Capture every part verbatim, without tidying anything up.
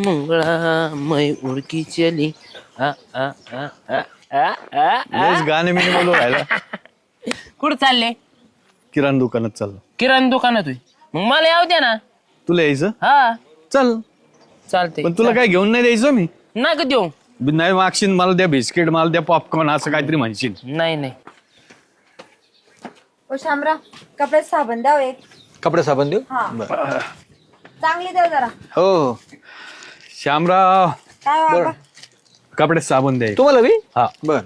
मुंगळा मै उडकी चली आ आ आ आ आ आ लयच गाणे मी बोलू राहिला. कुठं चालले? किराणा दुकानात चाललो. किराणा दुकानात होय. मग मला यावं द्या ना. तुला यायचं? हा चल. चालते. पण तुला काय घेऊन नाही द्यायचं मी? नका देऊ. नाही मागशील मला द्या बिस्किट, मला द्या पॉपकॉर्न, असं काहीतरी म्हणशील. नाही नाही. ओ शामरा, कपड्यात साबण द्याव एक. कपडे साबण देऊ? हा चांगली द्या जरा. हो. श्यामराव, काय बाबा? कपडे साबण द्या. तुम्हाला बी? हा. बर.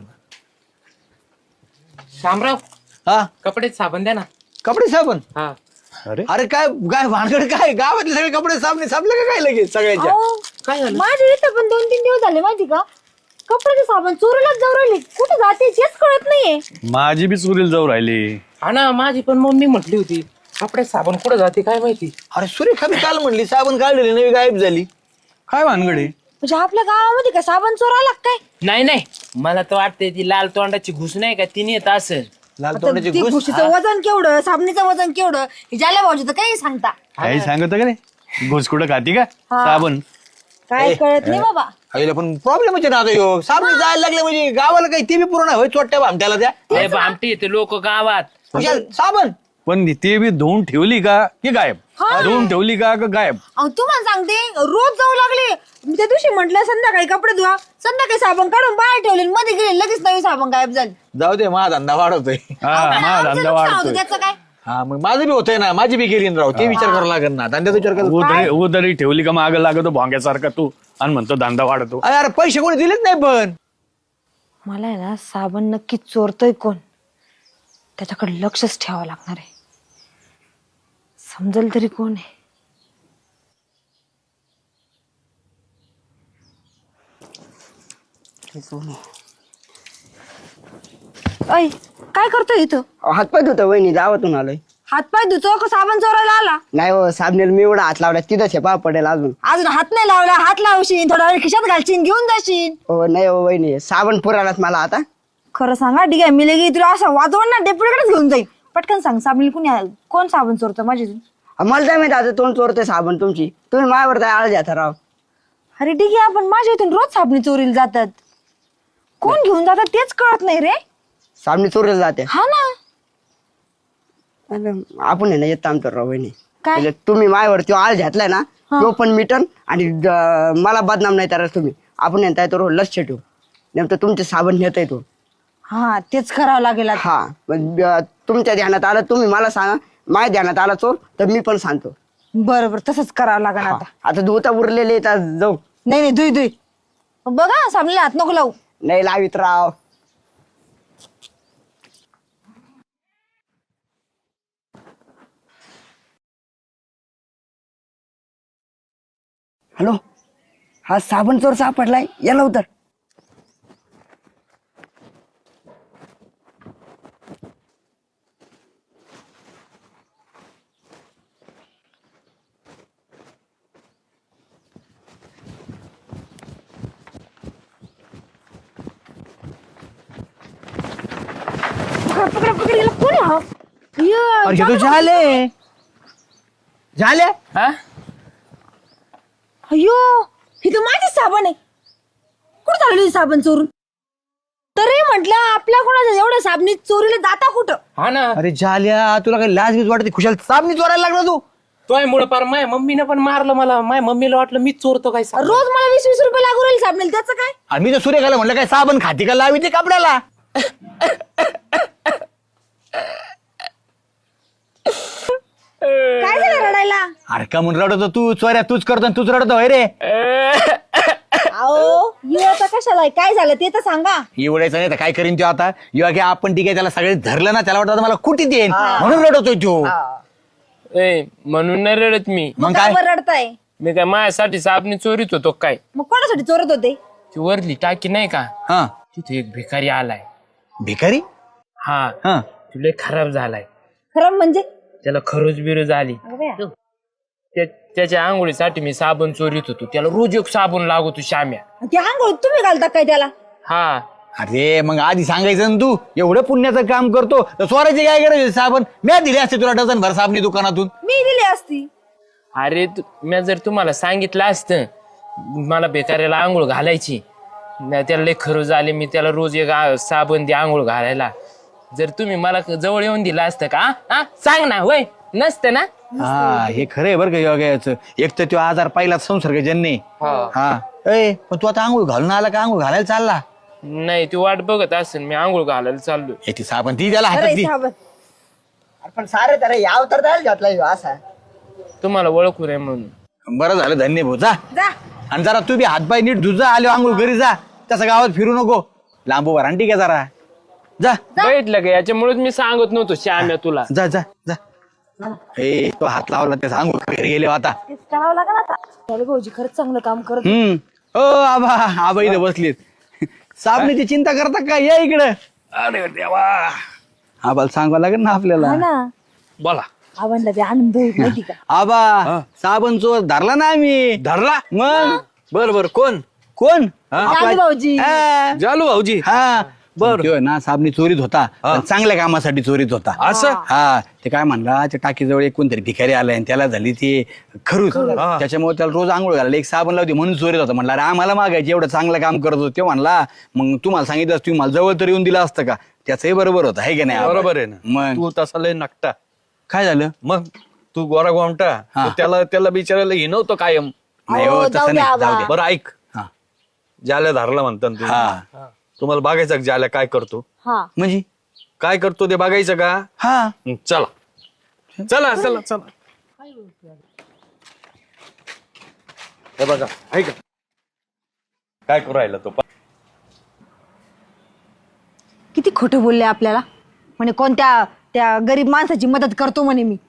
शामराव हा कपडे साबण द्या ना. कपडे साबण? हा. अरे अरे काय काय भानगड काय? गावातले सगळे कपडे साबणे साबले का काय लगेच सगळ्यांच्या? अहो, काय झालं? माझ्या इथं पण दोन तीन दिवस झाले माहिती का, कपड्याचे साबण चोरीलाच जाऊ राहिले. कुठे जाते तेच कळत नाहीये. माझी बी चुरील जाऊ राहिली. हा ना, माझी पण मम्मी म्हटली होती कपडे साबण कुठं जाते काय माहिती. अरे सुरेखा बी काल म्हणली साबण काढलेली नवी गायब झाली. काय भानगडे? म्हणजे आपल्या गावामध्ये का साबण चोराला काय? नाही नाही, मला तर वाटते ती लाल तोंडाची घुस नाही का तिने येत असेल. लाल आता तोंडाची ती घुस. घुशीचं वजन केवढं, साबणीचं वजन केवढं, हे ज्याला भाऊजी तर काही सांगता. काही सांगत का रे? घुसकुडं खाती का हा. साबण? काय कळत नाही बाबा. आईला पण प्रॉब्लेम आहे ना आता ह्यो. साबण जायला लागले म्हणजे गावाला काही ते बी पूर्ण होय चोट्या भामट्याला त्या. लय भामटी येते लोक गावात. कशाला? साबण पण ते बी धुवून ठेवली का की गायब? धुवून ठेवली का का गायब? अहो तुम्हाला सांगते, रोज जाऊ लागले. त्या दिवशी म्हटलं संध्याकाळी कपडे धुवा, संध्याकाळी साबण काढून बाहेर ठेवले, मध्ये गेले लगेच नवी साबण गायब झाली. जाऊ दे, माझा धंदा वाढवतोय. हा माझा आमचं धंदा नुकसान वाढतोय. होतं, त्याचं काय? हा मग माझं बी होतंय ना, माझी बी गेली ना राव. ते विचार करावा लागेल ना, धंद्याचा विचार कर. उदरी उदरी ठेवली का माग लागतो भोंग्यासारखा तू आणि म्हणतो धंदा वाढतो. अरे अरे पैसे कोणी दिलेच नाही पण. मला आहे ना साबण नक्की चोरतोय कोण, त्याच्याकडे लक्षच ठेवावं लागणार आहे. समजेल तरी कोण आहे. ऐ काय करतोय इथं? हातपाय धुतो वहिनी, गावातून आलोय. हातपाय धुतो का साबण चोरायला आला? नाही हो, साबणेला मी एवढा हात लावला तिथंच पा पडेल अजून. अजून हात नाही लावला, हात लावशील, थोडा वेळ खिशात घालशील, घेऊन जाशील. हो नाही हो वहिनी, साबण पुरालाच मला आता. खरं सांगा, ठीक आहे, मी लगे तुला असं वाजवण ना डेपुटीकडेच घेऊन जाईल. पटकन सांग, साबण कुणी कोण साबण चोरतं माझी? मला काय माहिती आता तोंड चोरते साबण तुमची. तुम्ही माझ्यावर काय आळ द्या राव. अरे ठीक आहे, आपण माझ्या इथून रोज साबणी चोरीला जातात. कोण घेऊन जातात तेच कळत नाही रे. साबणी चोरीला जाते. हा ना. अरे, आपण आहे ना येत आमचं राव वहिनी. काय? म्हणजे तुम्ही माझ्यावर तो आळ घातलाय ना, तो पण मिटन आणि द- मला बदनाम नाही तर तुम्ही. आपण येताय तो लक्ष ठेवू, नेमकं तुमचे साबण नेता येतो. हा तेच करावं लागेल आता. हा मग, अं, तुमच्या ध्यानात आलं तुम्ही मला सांगा, माझ्या ध्यानात आला चोर तर मी पण सांगतो. बरोबर, तसंच करावं लागेल आता. आता धुता उरलेले येतात जाऊ. नाही नाही, दुई दुई बघा, साबणीला हात नको लावू. नाही लावित राव. हॅलो, हा साबण चोर सापडलाय, याला उतर. पकड पकड पकड, याला कोण आहे हा? ये, अरे हे तो झाले झाले. हा अयो, ही तर माझी साबण आहे. कुठं चालली साबण चोरून? तरी म्हटलं आपल्या कोणाच्या एवढ्या साबणी चोरीला जाता कुठं? हा ना. अरे झाल्या, तुला काही लाज बीज वाटते? खुशाल साबणी चोरायला लागला तू. तोय मुळे पार माझ्या मम्मीने पण मारलं मला. माझ्या मम्मीला वाटलं मीच चोरतो काय साबण. रोज मला वीस वीस रुपये लागू राहील साबणीला, त्याचं काय? आणि मी तर सुरेखाला म्हणलं काय साबण खाती का लावी ते कपड्याला. काय झालं रडायला? अरे का म्हणून रडतो तू? चोऱ्या तूच करतो आणि तूच रडतो होय रे. अहो, आता कशाला आहे? काय झालं ते तर सांगा. एवढायचं नाही तर काय करीन तो आता? युवा की आपण ठीक आहे, त्याला सगळे धरलं ना, त्याला वाटतं आता मला कुठे देईन म्हणून रडतोय तो. ए म्हणून नाही रडत मी. मग काय काय? बरं रडताय? मी काय माझ्यासाठी साबणी चोरीत होतो काय? मग कोणासाठी चोरत होते? ती वरली टाकी नाही का, हा तिथे एक भिकारी आलाय. भिकारी. हा हा तुला खराब झालाय. खरं म्हणजे? त्याला खरोज बिरोज आली. त्या- त्याच्या आंघोळीसाठी मी साबण चोरीत होतो. त्याला रोज एक साबण लागतो श्याम्या. ते आंघोळ तुम्ही घालता काय त्याला? हा अरे मग आधी सांगायचं ना, तू एवढं पुण्याचं काम करतो तर चोरायची काय गरज? साबण मी दिले असते तुला डझन भर साबणी दुकानातून. मी दिली असती. अरे मी जर तुम्हाला सांगितलं असतं मला बेकाऱ्याला आंघोळ घालायची नाही, त्याला लय खरं झाले. मी त्याला रोज एक आ- साबण दे आंघोळ घालायला. जर तुम्ही मला जवळ येऊन दिला असतं का हा? हा सांग ना, होय नसतं ना. हा हे खरं आहे बरं का योगाचं. एक तर तो आजार पहिला संसर्गजन्य. हा ए पण तू आता आंघोळ घालून आला का आंघोळ घालायला चालला? नाही ती वाट बघत असेल, मी आंघोळ घालायला चाललोय. हे ती साबण ती त्याला हातात अरे दी. साबण अरे पण सारे तर याव तर द्यायला घातला ह्यो असा. तुम्हाला ओळखू नये म्हणून. बरं झालं धन्य भाऊ जा. जा आणि जरा तू बी हातपाय नीट धुजा, आलो आंघोळ घरी जा. तसं गावात फिरू नको, लांब उभा राहा ठीक आहे जरा. जा बैठलं का याच्यामुळेच मी सांगत नव्हतो श्याम्या तुला. जा जा जा. ए तो हात लावला ते सांगू घरी गेले हो आता. तेच करावं लागेल आता. चल भाऊजी खरंच चांगलं काम करत. हम्म ओ आबा आबा इथे बसलीत. साबणीची चिंता करता का, या इकडं. अरे देवा आबाला सांगावं लागेल ना आपल्याला. हा ना बोला. आव्हानला बी आनंद होईल माहिती का. आबा साबण चोर धरला ना आम्ही. धरला मग बर बर. कोण? कोण? जालू भाऊजी. हा. जालू भाऊजी. हा बर. त्यो ना साबणी चोरीत होता, पण चांगल्या कामासाठी चोरीत होता. असं? हा ते काय म्हणला, त्या टाकीजवळ एक कोणतरी भिकारी आलाय आणि त्याला झाली ती खरूच. त्याच्यामुळे त्याला रोज आंघोळ घालायला एक साबण लावते म्हणून चोरीत होता. म्हणला अरे आम्हाला मागायची, एवढं चांगलं काम करत होतो. ते म्हणला मग तुम्हाला सांगितलं तुम्ही मला जवळ तर येऊन दिलं असतं का. त्याचंही बरोबर होतं आहे की नाही. बरोबर आहे ना. मग तू तसा लय नकटा. काय झालं? मग तू गोरा गोमटा. हा. तर त्याला त्याला बिचारायला हिनवतो कायम. नाही हो अहो, जाऊ तसं द्या नाही, जाऊ आबा. दे. बरं ऐक, हा ज्याला धरला म्हणतात तू. हा तुम्हाला बघायचं का ज्याला काय करतो? हा म्हणजे काय करतो ते बघायचं का? हा हं, चला चला चला चला. हे बघा ऐका काय करू राहिला तो. किती खोटं बोलले आपल्याला. म्हणे कोणत्या त्या गरीब माणसाची मदत करतो म्हणे मी.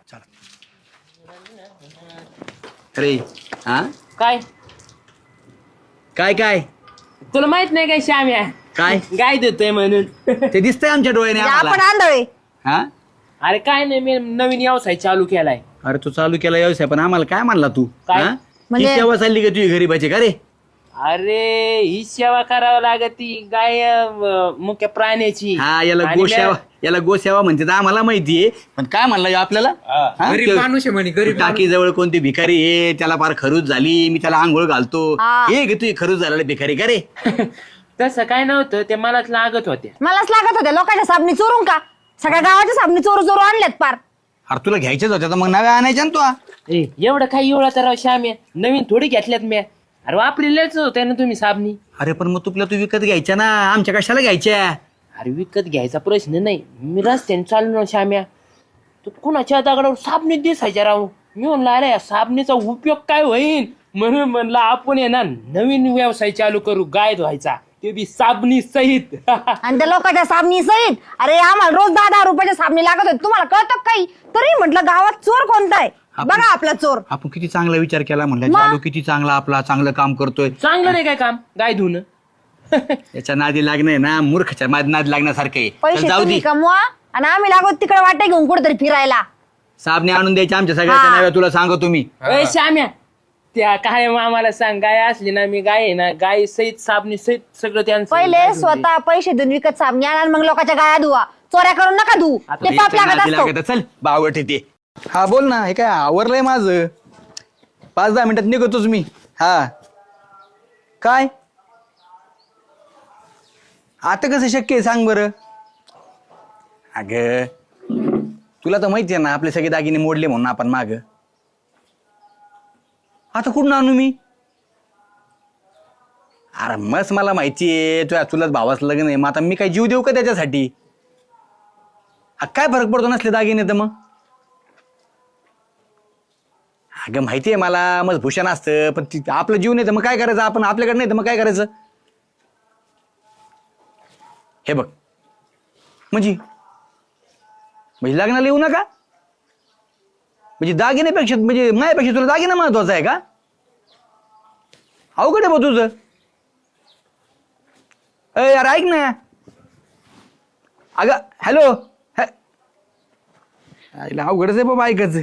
अरे हा काय काय काय तुला माहित नाही काय श्याम्या काय गाय देतोय म्हणून. ते दिसतंय आमच्या डोळ्याने आपण आम्हाला. आंधळे. हा अरे काय नाही, मी नवीन व्यवसाय चालू केलाय. अरे तू चालू केला व्यवसाय, पण आम्हाला काय म्हणला तू? काय? हा? ही म्हणजे- सेवा चालली का तुझी गरीबाची का रे? अरे ही सेवा करावं लागती गाय अं, मुख्य प्राण्याची. हा याला आणि गोसेवा म्या- याला गोसेवा म्हणते तर आम्हाला माहितीये, पण काय म्हणला ह्यो आपल्याला? हा? गरीब त्यो- माणूस आहे म्हणे, गरीब टाकी जवळ कोणती भिकारी आहे, त्याला फार खरूच झाली, मी त्याला आंघोळ घालतो. हा. हे गे तुझी खरूच झालेला भिकारी का रे? तसं काय नव्हतं, ते मलाच लागत होते. मलाच लागत होत्या लोकांच्या साबणी चोरून का. सगळ्या गावाच्या साबणी चोरू चोरू आणल्यात पार. अरे तुला घ्यायच्याच होत्या तर मग नव्या आणायच्या ना तू. ए, एवढं काही एवढा तर राव श्याम्या, नवीन थोडी घेतल्यात मी. अरे वापरलेच होते ना तुम्ही साबणी. अरे पण मग तुला तू विकत घ्यायच्या ना, आमच्या कशाला घ्यायच्या? अरे विकत घ्यायचा प्रश्न नाही, मी रस्त्याने चाललो ना श्याम्या, तू कुणाच्या दगडावर साबणीत दिसायच्या राव. मी म्हणलं अरे या साबणीचा उपयोग काय होईल, म्हणून म्हणलं आपण आहे ना नवीन व्यवसाय चालू करू, गाय धुवायचा, ते बी साबणी सहित. आणि त्या लोकांच्या साबणी सहित. अरे आम्हाला रोज दहा दहा रुपयाच्या साबणी लागत होती, तुम्हाला कळतं का काही? तरी म्हटलं गावात चोर कोणता आहे बघा आपला चोर. आपण किती चांगला विचार केला म्हणलं, चालू किती चांगला आपला चांगलं काम करतोय. चांगलं नाही काय काम गाय धुणं. याच्या नादी लागणं ना मूर्खच्या नादी लागण्यासारखं आहे. पैसे चल जाऊ तुम्ही दे, कमवा आणि आम्ही लागतो तिकडे वाटे घेऊन कुठेतरी फिरायला. साबणे आणून द्यायचे आमच्या सगळ्याच्या हा. नाव्या, तुला सांगतो तुम्ही. ए श्याम्या, त्या काय आम्हाला सांग, गाय असली ना, मी गाय आहे ना, गाय सहित साबणी सहित सगळं त्यांचं. पहिले स्वतः पैसे देऊन विकत साबणी आणा आणि मग लोकांच्या गाया धुवा. चोऱ्या करून नका धुवू, ते पाप याच्या लागत नादी असतो. लागत आहे. चल बावट येते. हा बोल ना, हे काय आवरलंय माझं, पाच दहा मिनिटात निघतोच मी. हा काय आता कसं शक्य आहे सांग बरं. अग तुला तर माहिती आहे ना आपले सगळे दागिने मोडले म्हणून आपण माग. आता कुठून आणू मी? अरे मस्त मला माहिती आहे तुझ्या तुलाच भावाचं लग्न आहे, मग आता मी काय जीव देऊ का त्याच्यासाठी? हा, काय फरक पडतो नसले दागिने तर मग? अगं माहिती आहे मला, मग भूषण असतं, पण ती आपलं जीव नाही तर मग काय करायचं? आपण आपल्याकडे नाही तर मग काय करायचं? हे बघ म्हणजे म्हणजे लग्नाला येऊ नका म्हणजे दागिन्यापेक्षा, म्हणजे माझ्यापेक्षा तुला दागिना महत्वाचा आहे का? अवघड आहे बा तुझं. अय यार ऐक ना, अगं हॅलो, अवघडच आहे बाबा ऐकायचं.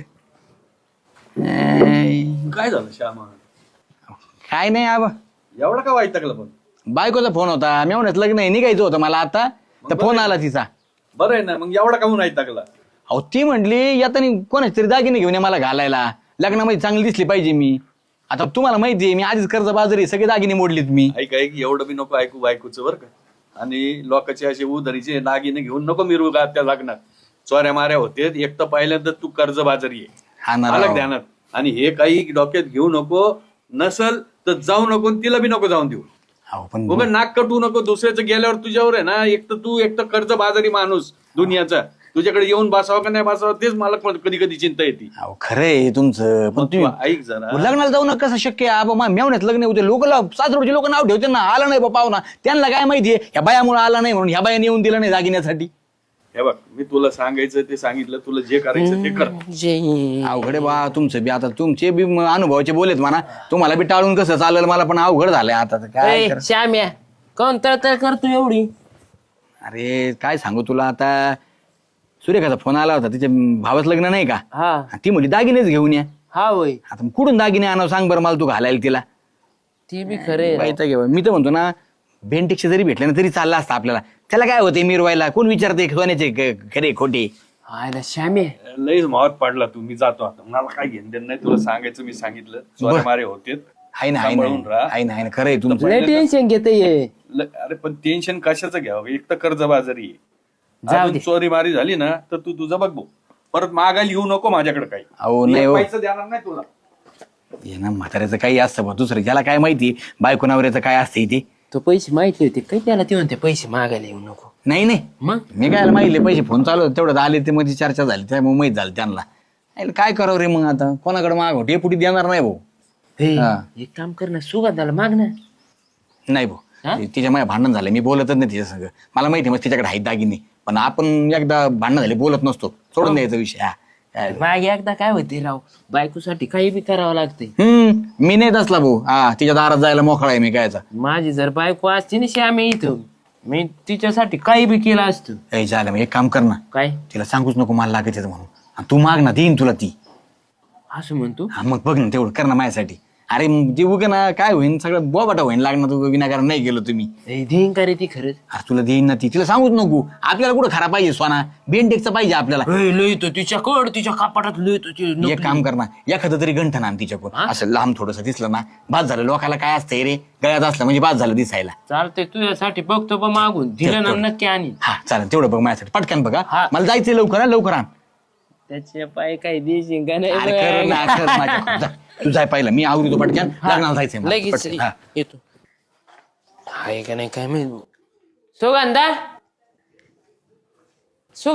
काय झालं श्यामा? काय नाही आबा, एवढा का वाईट टाकलं? पण बायकोचा फोन होता, मेवण्यात लग्न आहे निघायचं होतं मला आता, तर फोन आला तिचा. बरं आहे ना, मग एवढा का वाईट टाकला? अहो ती म्हटली यातनी कोणाच तरी दागिने घेऊन ये मला घालायला, लग्नामध्ये चांगली दिसली पाहिजे मी. आता तुम्हाला माहिती आहे मी आधीच कर्ज बाजारी सगळे दागिने मोडलीत मी. ऐक ऐक एवढं बी नको ऐकू बायकोचं बरं का. आणि लोकांचे असे उधारीचे दागिने घेऊन नको मिरवू का त्या लग्नात. चोऱ्या माऱ्या होते एक तर पहिल्यांदा तू कर्ज बाजारी आहे हा ना अलग राव. ध्यानात. आणि हे काही डोक्यात घेऊ नको. नसल तर जाऊ नको आणि तिला बी नको जाऊन देऊ. अहो, पण उगा नाक कटू नको. दुसऱ्याचं गेल्यावर तुझ्यावर आहे ना एक तर तू एक तर कर्ज बाजारी माणूस दुनियाचा. तुझ्याकडे येऊन बसावं का नाही बसावं तेच मला कधी कधी चिंता येते. अहो, खरं आहे तुमचं पण मग तू तुम्ही ऐक जरा. लग्नाला जाऊ नका कसं शक्य आहे आबा मेवण्यात लग्न होते लोक सासरोडचे लोक नाव ठेवते ना आला नाही बाबा ना त्यांना काय माहितीये ह्या बायामुळे आला नाही म्हणून ह्या बायाने येऊन दिलं नाही दागिन्यासाठी. हे बघ मी तुला सांगायचं ते सांगितलं. तुला जे करायचं ते कर. जय अवघड आहे बा तुमचं बी आता तुमचे बी म- अनुभवाचे बोलेत म्हणा तुम्हाला बी टाळून कसं चालेल मला पण अवघड झालंय आता तर काय ए, कर- श्याम्या कोण तळतळ करतो एवढी. अरे काय सांगू तुला आता सुरेखाचा फोन आला होता तिच्या भावाचं लग्न नाही का हा ती म्हणली दागिनेच घेऊन या. हा होय आता मग कुठून दागिने आणावं सांग बरं मला तू घालायला तिला. ती बी खरे बाईचा घेऊ मी तर म्हणतो ना भेंटेक्ष जरी भेटले ना तरी चाललं असतं आपल्याला. त्याला काय होते मिरवायला कोण विचारते सोन्याचे क- खरे खोटे. आयला श्याम्या लईच महत्व पडला तू. मी जातो आता. मला काय घेणं देणं नाही. तुला सांगायचं मी सांगितलं. चोऱ्या मारे होते आहे ना आहे सांभाळून ना राहा. आहे ना आहे ना खरं आहे तुमचं. लय टेन्शन घेते ये. ल- अरे पण टेन्शन कशाचं घ्यावं. एक तर कर्जबाजारी आहे. जाऊ अजून दे. चोरी मारी झाली ना तर तू तुझं बघ भाऊ. परत मागायला येऊ नको माझ्याकडे काही. अहो मी नाही एक हो पैसा देणार नाही तुला. हे ना म्हाताऱ्याचं काही असतं बा दुसरं ज्याला काय माहिती बायको नवऱ्याचं काय असते ते. तो पैसे माहिती होते काही त्याला ते म्हणते पैसे मागायला येऊ नको. नाही नाही मग मी काय माहिती पैसे फोन चालू होते तेवढं आले ते मध्ये चर्चा झाली त्यामुळे माहीत झालं त्यांना. अरे काय करावं रे मग आता कोणाकडे मागव डेपुटी देणार नाही भाऊ. हे, हा. एक काम कर ना सुगंधाला माग ना. नाही हा? भाऊ तिच्या माझ्या भांडण झालं मी बोलतच नाही तिच्या संग. मला माहिती मग तिच्याकडे आहेत दागिने पण आपण एकदा भांडण झाले बोलत नसतो सोडून द्यायचा विषय. हा काय मागे एकदा काय होते राव बायकोसाठी काही बी करावं लागते. हम्म मी नाही असला भाऊ हा तिच्या दारात जायला मोकळा आहे मी कायचा. माझी जर बायको असती ना श्याम्या इथं मी तिच्यासाठी काही बी केलं असतं. ए झालं मग एक काम कर ना काय तिला सांगूच नको मला लागायचं म्हणून आणि तू माग ना देईन तुला ती. असं म्हणतो. हा मग बघ ना तेवढं कर ना माझ्यासाठी. अरे मग जे उगे ना काय होईन सगळं बोबाटा होईन लागणार तू विनाकारण नाही गेलो तुम्ही. ए, देईन का रे ती खरंच. अरे तुला देईन ना ती तिला सांगूच नको. आपल्याला कुठं खरा पाहिजे सोना बेंटेकचा पाहिजे आपल्याला. ए, लिहितो तिच्याकड तिच्या कपाटात लिहितो ती नकली. एक काम कर ना एखादं तरी गंठन आण तिच्याकडून हा? असं लांब थोडंसं दिसलं ना बाद झालं. लोकाला काय असतंय रे गळ्यात असलं म्हणजे बाद झालं दिसायला. चालतंय तुझ्यासाठी बघतो बा मागून दिलं ना नक्की आणि हा चालेल तेवढं बघ माझ्यासाठी पटकन बघा हा. मला जायचंय लवकर हा, लवकर आण. त्याचे पाय काही देशील का नाही अरे कर ना, बघ. कर माझ्या- जा, तू जाय पहिला मी आवडतो पटकन लग्नाला जायचंय मला. लगेच पटकन, हा. येतो. आहे का नाही काय माहिती. सुगंधा सुग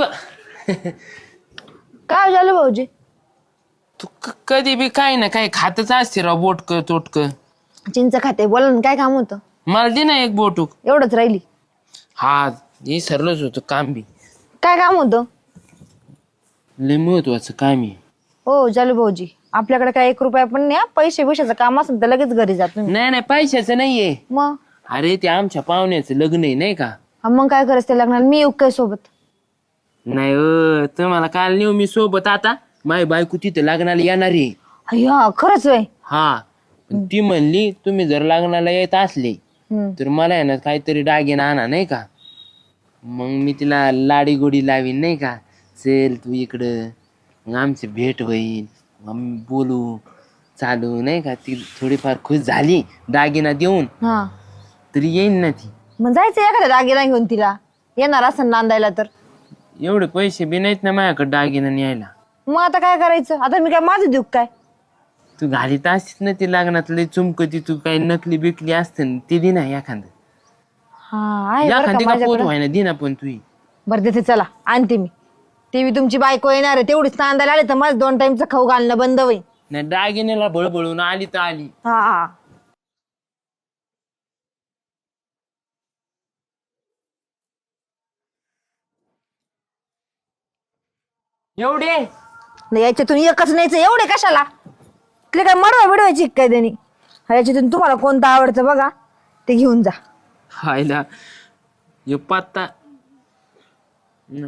काय झालं भाऊजी? तू क- कधी बी काय ना काय खातच असते राव बोटक तोटक. चिंच खाते बोला ना काय काम होतं? मला दे ना एक बोटूक. एवढंच राहिली. हा हे सरलंच होतं काम बी. काय काम होतं? लय महत्वाचं काम आहे. हो चालू भाऊजी आपल्याकडे काय एक रुपया पण नाही हा. पैसे पैशाचं काम असेल तर लगेच घरी जात तुम्ही. नाही नाही पैशाचं नाहीये. मग अरे ते आमच्या पाहुण्याचं लग्न आहे नाही का. हा, मग काय करायचं ते लग्नाला मी येऊ काय सोबत? नाही अ, तुम्हाला काल नेऊ मी सोबत. आता माझी बायको तिथे लग्नाला येणार आहे. अय्या खरंच वय. हा पण ती म्हणली तुम्ही जर लग्नाला येत असले हम्म. तर मला आहे ना काहीतरी दागिना आणा नाही का. मग मी तिला लाडी गोडी लावीन नाही का. चल तू इकडं मग आमची भेट होईल मग आम्ही बोलू चालू नाही का. ती थोडीफार खुश झाली दागिना देऊन हा तरी येईन ना ती. मग जायचं एखाद्या दागिना घेऊन तिला येणार असं नांदायला तर. एवढे पैसे बी नाहीत ना माझ्याकडे दागिना न्यायला. मग आता काय करायचं? आता मी काय माझं देऊ काय? तू घालीत असतीस ना ती लग्नात लय चुमकती तू काही नकली बिकली असते ना ती दे ना एखादं. हा आहे बरं का एखादी का पोत माझ्याकडं. व्हाय ना दे ना पण तू. बरं देते चला आणते मी. ती बी तुमची बायको येणार आहे तेवढीच नांदायला आले तर माझं दोन टाइमचं खाऊ घालणं बंद होईल. नाही दागिन्याला बळबळून आली तर आली. हा हा एवढे नाही याच्यातून एकच न्यायचं एवढे कशाला? तिला काय मडवा बिडवायची काय त्यांनी? हा याच्यातून तुम्हाला कोणतं आवडतं बघा ते घेऊन जा. हायला हे पत्ता न.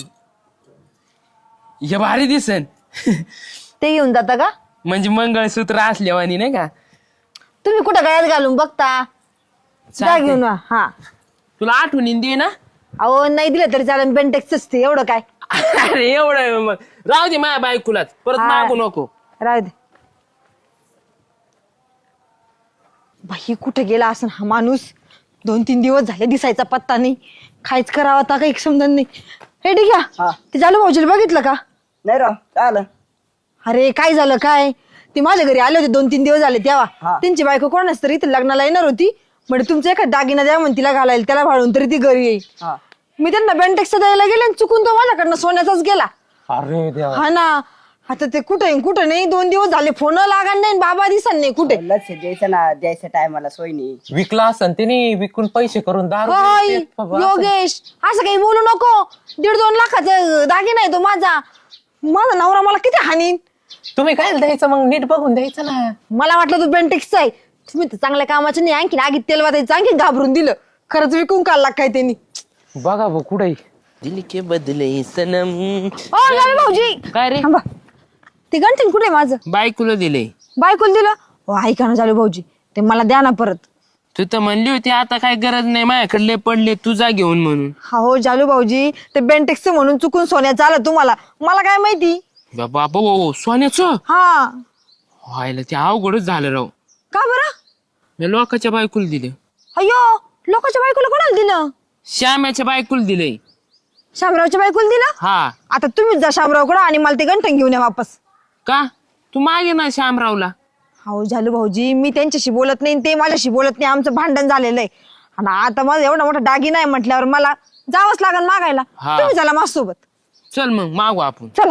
हे भारी दिसन. ते घेऊन जाता का? म्हणजे मंगळसूत्र असल्यावानी नाही का. तुम्ही कुठं गळ्यात घालून बघता? जा चालतंय. घेऊन वा. हा तुला आठवणीन दे ना. अहो नाही दिलं तरी चालेल बेंटेक्सच ते एवढं काय. अरे एवढं मग. राहू दे माझ्या बायकोलाच परत हा. मागू नको. राहू दे. बाई कुठे गेला असं हा माणूस? दोन तीन दिवस झाले दिसायचा पत्ता नाही. खायच करावा आता काही समजत नाही. हे ठीक हा. आहे ते जालू भाऊजीला बघितलं का? नाही राव चाल अरे काय झालं काय? ते माझ्या घरी आले होते दोन तीन दिवस झाले तेव्हा. हा. त्यांची बायको कोणाच तरी इथे लग्नाला येणार होती. म्हणजे तुमचा एखादा दागिना द्या म्हणून तिला घालायला, त्याला भाळून तरी ती घरी येईल. हा. मी त्यांना बेंटेक्स द्यायला गेले आणि चुकून तो माझ्याकडनं सोन्याचाच गेला. अरे देवा. हा ना. आता ते कुठे कुठं नाही, दोन दिवस झाले फोन लागा नाही, बाबा दिसत नाही कुठे. लक्ष द्यायचं ना, द्यायचं टायमाला सोय नाही. विकला असं त्याने, विकून पैसे करून दारू होय, पित बाबा. योगेश असं काही बोलू नको. दीड दोन लाखाचा दागिना आहे तो माझा. माझा नवरा मला किती हानीन. तुम्ही काय द्यायचं मग, नीट बघून द्यायचं ना. मला वाटलं तू बेंटेक्सचा आहे. तुम्ही तर चांगल्या कामाचं नाही, आणखी आगीत तेल वाटायचं, आणखी घाबरून दिलं. खरंच विकून काढला काय त्यांनी. बघा भाऊ कुठे दिल के बदले सनम. ओ जावे भाऊजी काय रे? थांबा. ते गंठन कुठे माझं? बायकोला दिले. बायकोला दिलं? ओ ऐका ना जावे भाऊजी, ते मला द्या ना परत. तू तर म्हणली होती आता काय गरज नाही, माझ्याकडले पडले तुझा घेऊन म्हणून. हा हो जालू भाऊजी, ते बेंटेक्स म्हणून चुकून सोन्याचं आलं तुम्हाला, मला काय माहिती. बाबा बाबा सोन्याचं हा व्हायला ते अवघडच झालं राव. का बरं? मी लोकांच्या बायकोला दिले. अयो लोकांच्या बायकोला कोणाला दिलं? श्याम्याच्या बायकोला दिले. शामरावच्या बायकोला दिलं? हा आता तुम्हीच जा शामरावकडं आणि मला ते गंठन घेऊन या वापस. का? तू मागे ना श्यामरावला. हो झालं भाऊजी, मी त्यांच्याशी बोलत नाही, ते माझ्याशी बोलत नाही, आमचं भांडण झालेलं आहे. आणि आता माझं एवढा मोठा दागिना आहे म्हटल्यावर मला जावंच लागेल मागायला. हा. तुम्ही चला माझ्यासोबत. चल मग मागू आपण. चला.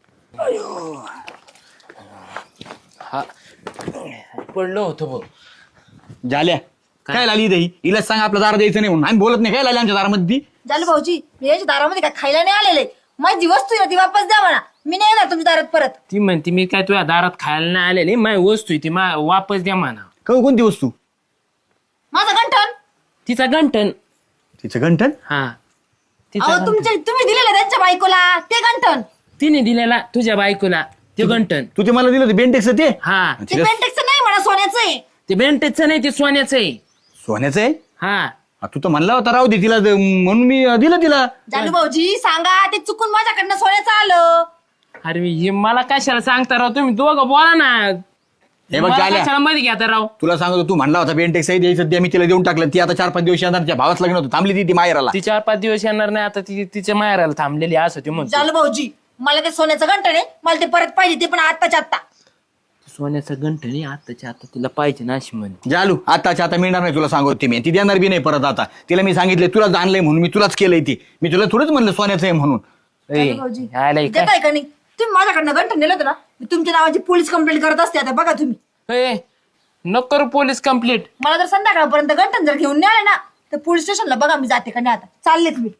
हा पडलो होतो भाऊ. झाल्या काय लागली दही हिला सांग आपल्या दारा द्यायचं नाही म्हणून. आम्ही बोलत नाही काय लागली आमच्या दारामध्ये ती. झालं भाऊजी, मी याच्या दारामध्ये काय खायला नाही आलेले. माझी वस्तू आहे ती वापस द्या म्हणा, मी नाही येणार तुमच्या दारात परत. ती म्हणते मी काय तुझ्या दारात खायला नाही आलेली, माझी वस्तू आहे ती मा वापस द्या म्हणा. क- कोणती वस्तू? माझं गंठन. तिचा गंठन. तिचं घंटन? हा तिचा अहो गंठन. तुमच्या तुम्ही दिलेलं त्यांच्या बायकोला ते गंठन. तिने दिलेला तुझ्या बायकोला ते गंठन. तू ते मला दिलं होतं बेंटेक्स ते? हा ते बेंटेक्सचं नाही म्हणा, सोन्याचं आहे. ते बेंटेचं नाही, ते सोन्याचं आहे. सोन्याचं आहे? हा आ, तू तर म्हणला होता राहू दे तिला द- म्हणून मी अं, दिलं तिला. जालू भाऊजी सांगा, ते चुकून माझ्याकडनं सोन्याचं आलं. अरे हे मला कशाला सांगता राव, तुम्ही दोघं बोला ना. हे बघ मला झाल्या. कशाला मध्ये घ्या राव. तुला सांगतो तू म्हणला होता बेंटेक्स आहे द्यायचं द्या, मी तिला देऊन टाकलं. ती आता चार पाच दिवस येणार, तिच्या भावाच लग्न होतं, थांबली ती ती माहेराला. ती चार पाच दिवस येणार नाही आता, ती तिच्या माहेराला थांबलेली असं ती म्हणतो. जालू भाऊजी मला ते सोन्याचं गंठन आहे, मला ते परत पाहिजे, ते पण आत्ताच्या आत्ता. सोन्याचं गंठणी आताच्या आता तिला पाहिजे ना अशी म्हणते. जालू आताच्या आता मिळणार नाही, तुला सांगतो ती मी. ती देणार बी नाही परत आता. तिला मी सांगितलं तुलाच आणलंय म्हणून, मी तुलाच केलंय ती. मी तुला थोडंच म्हणलं सोन्याचं आहे म्हणून. ए, भाऊजी आयला हे काय? देताय का नाही? तुम्ही माझ्याकडनं गंठन नेलं होतं ना, मी तुमच्या नावाची पोलीस कंप्लेंट करत असते. आता बघा तुम्ही, ए, नको करू पोलीस कंप्लीट. मला जर संध्याकाळपर्यंत गंठन जर घेऊन नाही आले ना, तर पोलीस स्टेशनला बघा मी जाते का नाही. आता चाललेच मी.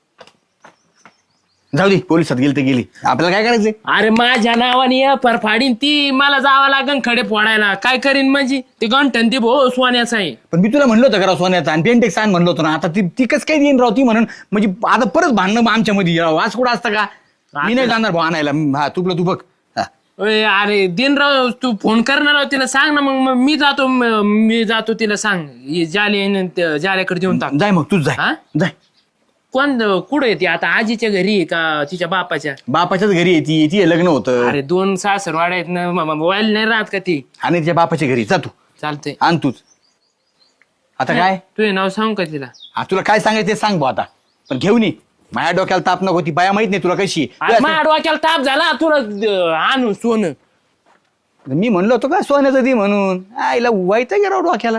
जाऊ दे, पोलिसात गेली तर गेली, आपल्याला काय करायचंय? अरे माझ्या नावाने पर फाडीन ती, मला जावं लागन खडे फोडायला. काय करीन म्हणजे ते गंठन ती भो सोन्याचं आहे. पण मी तुला म्हणलं होतं करा सोन्याचा आणि बेंटेक्स आण म्हणलं होतं ना. आता ती ती कसं काय देईन राव ती म्हणून, म्हणजे आता परत भांडणं आमच्या मध्ये राव. आज कुठं असतं का? मी नाही जाणार भाऊ आणायला. हा तुला तू बघ. हा. ओय, अरे दिनराव तू फोन करणार आहो तिला सांग ना. मग मग मी जातो, म- मी जातो तिला सांग. हे जाले न ते जाल्याकडे देऊन टाक. जाय मग तूच हा? जाय जाय. कोण कुठे येते आता, आजीच्या घरी आहे का तिच्या बापाच्या? बापाच्याच घरी येते, ती लग्न होतं अरे दोन सासरवाड्या आहेत ना, म- म- वाईल नाही राहत का ती? आणि तिच्या बापाच्या घरी जा तू. चालतंय. आण तूच. आता काय तुझे नाव सांग का तिला? हा, तुला काय सांगायचं ते सांग भाऊ आता. पण घेऊन ये, माझ्या डोक्याला ताप नको. ती बाया माहित नाही तुला कशी आहे. अरे माझ्या डोक्याला ताप झाला तुला अं, आणून सोनं. मी म्हणलो होतो का सोन्याचं ती म्हणून. आईला वाईट गेला डोक्याला.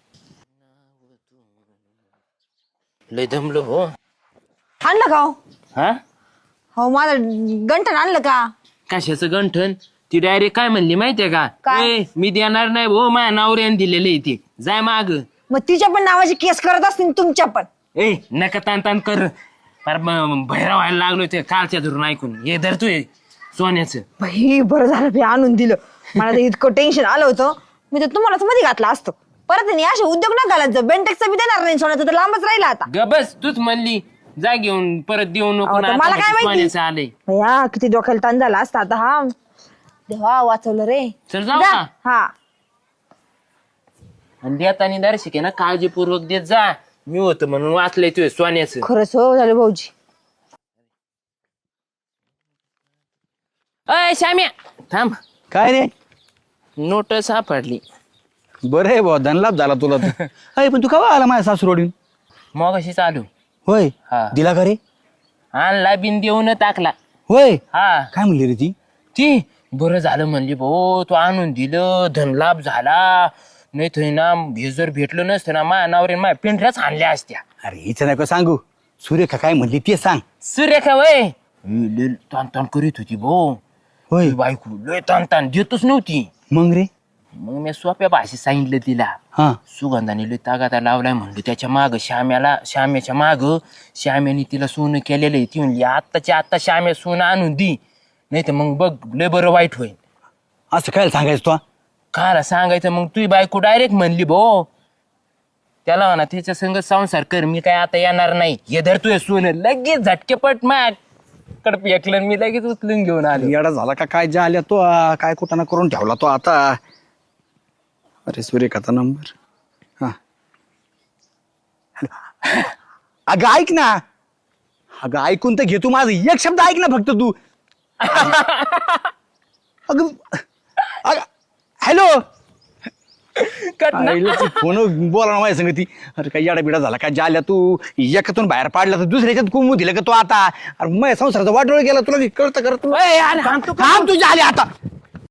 लय दमलो हो. आणलं का हो? हा हो माझं गंठन आणलं का? कशाचं गंठन? ती डायरेक्ट काय म्हणली माहितीये का? काय? ए, मी देणार नाही भाऊ, माझ्या नवऱ्याने दिलेले आहे ते, जाय माग. मग तिच्या पण नावाची केस करत असतील तुमच्या पण. ए नका तान तान कर. फार भैरा व्हायला लागलो ते कालच्या धरून ऐकून. हे धर तू हे सोन्याचं. बाई बरं झालं बी आणून दिलं. मला तर इतकं टेन्शन आलं होतं, मी तर तुम्हालाच मध्ये घातलं असतं. परत नाही असे उद्योग ना घालायचं. बेंटेक्सचं बी देणार नाही, सोन्याचं तर लांबच राहिला आता. ग बस, तूच म्हणली जा घेऊन, परत देऊ नको अहो, ना. तर आता मला काय म्हणते माहिती? सोन्याचं आलंय. भैया किती डोक्याला ताण झाला असता आता. हा देवा वाचवलं रे. चल जाऊ जा. का? हा आणि देतानी दर्शक आहे ना काळजीपूर्वक देत जा. मी होतं म्हणून वाचलंय तुझं सोन्याचं. खरंच हो झालं भाऊजी. अय श्याम्या थांब, काय रे? नोट सापडली. बरं आहे भाऊ धनलाभ झाला तुला तर. अरे पण तू का आला माझ्या सासूरवाडीन? मग अशी चालू होय हा. दिला का रे? आणला बिन देऊन टाकला. होय हा काय म्हणली रे ती? ती बरं झालं म्हणली भाऊ तू आणून दिलं धनलाभ झाला नाही तर ना हे जर भेटलं नसतं ना माझ्या नावरे माझ्या पिंढऱ्याच आणल्या असत्या. अरे हिचं नको सांगू. सुरेखा काय म्हणली ते सांग. सुरेखा वय लय ताण ताण करीत होती भाऊ. होय ती बायको लय ताण ताण देतच नव्हती. मग रे? मग मी सोप्या भाषेत सांगितलं तिला हा सुगंधाने लय तागाता लावलाय म्हणलं त्याच्या माग श्याम्याला श्याम्याच्या माग श्याम्याने तिला सोनं केलेलं आहे. ती म्हणली आत्ताच्या आत्ता श्याम्या सोनं आणून दी नाही तर मग बघ लय बरं वाईट होईल. असं काय सांगायचं तू? काला सांगायचं मग तुझी बायको डायरेक्ट म्हणली भो त्याला म्हणा तिच्या संग संसार कर मी काय आता येणार नाही हे धर तुझे सोनं लगेच झटकेपट माग कडप ऐकलं मी लगेच उचलून घेऊन आलो. येडा झाला का काय ज्या आल्या तो आ, काय कुठं ना करून ठेवला तो आता. अरे सुरेखाचा नंबर. हा हॅलो. अगं ऐक ना. अगं ऐकून तर घे तू माझं एक शब्द ऐक ना फक्त तू. अगं अगं हॅलो. कट ना. फोन बोला ना माझ्या संग ती. अरे काय येडा बिडा झाला काय ज्या आल्या तू एकातून बाहेर पाडला तर दुसऱ्याच्यात कुमू दिलं का तो आता. अरे माझ्या संसाराचा वाटोळ गेला तुला कळतं करत. ओय, अरे, हाण तू का? थांब तुझ्या आले आता.